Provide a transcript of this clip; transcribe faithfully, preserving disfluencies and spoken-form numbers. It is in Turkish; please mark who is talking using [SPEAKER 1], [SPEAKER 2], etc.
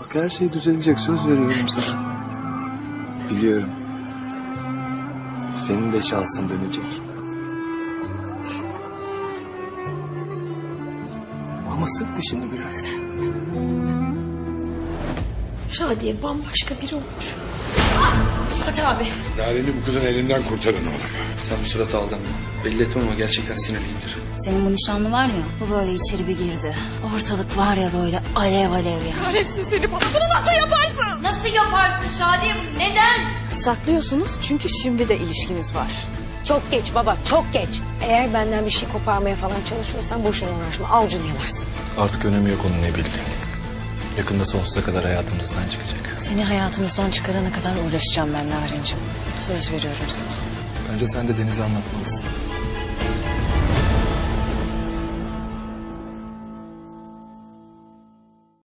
[SPEAKER 1] Bak her şey düzelecek, söz veriyorum sana. Biliyorum. Senin de şansın dönecek. Ama sık dişini biraz.
[SPEAKER 2] Şadiye bambaşka biri olmuş. Fatih abi.
[SPEAKER 3] Naren'i bu kızın elinden kurtarın oğlum.
[SPEAKER 1] Sen bu surata aldanma. Belli etmem ama gerçekten sinirliyimdir.
[SPEAKER 4] Senin bu nişanlı var ya, bu böyle içeri bir girdi. Ortalık var ya böyle alev alev ya.
[SPEAKER 2] Kahretsin seni bana. Bunu nasıl yaparsın?
[SPEAKER 4] Nasıl yaparsın Şadiye bunu? Neden?
[SPEAKER 5] Saklıyorsunuz çünkü şimdi de ilişkiniz var.
[SPEAKER 6] Çok geç baba, çok geç. Eğer benden bir şey koparmaya falan çalışıyorsan boşuna uğraşma. Avucunu yalarsın.
[SPEAKER 7] Artık önemi yok onun ne bildiğini. Yakında sonsuza kadar hayatımızdan çıkacak.
[SPEAKER 5] Seni hayatımızdan çıkarana kadar uğraşacağım ben Narenciğim. Söz veriyorum sana.
[SPEAKER 7] Bence sen de Deniz'e anlatmalısın.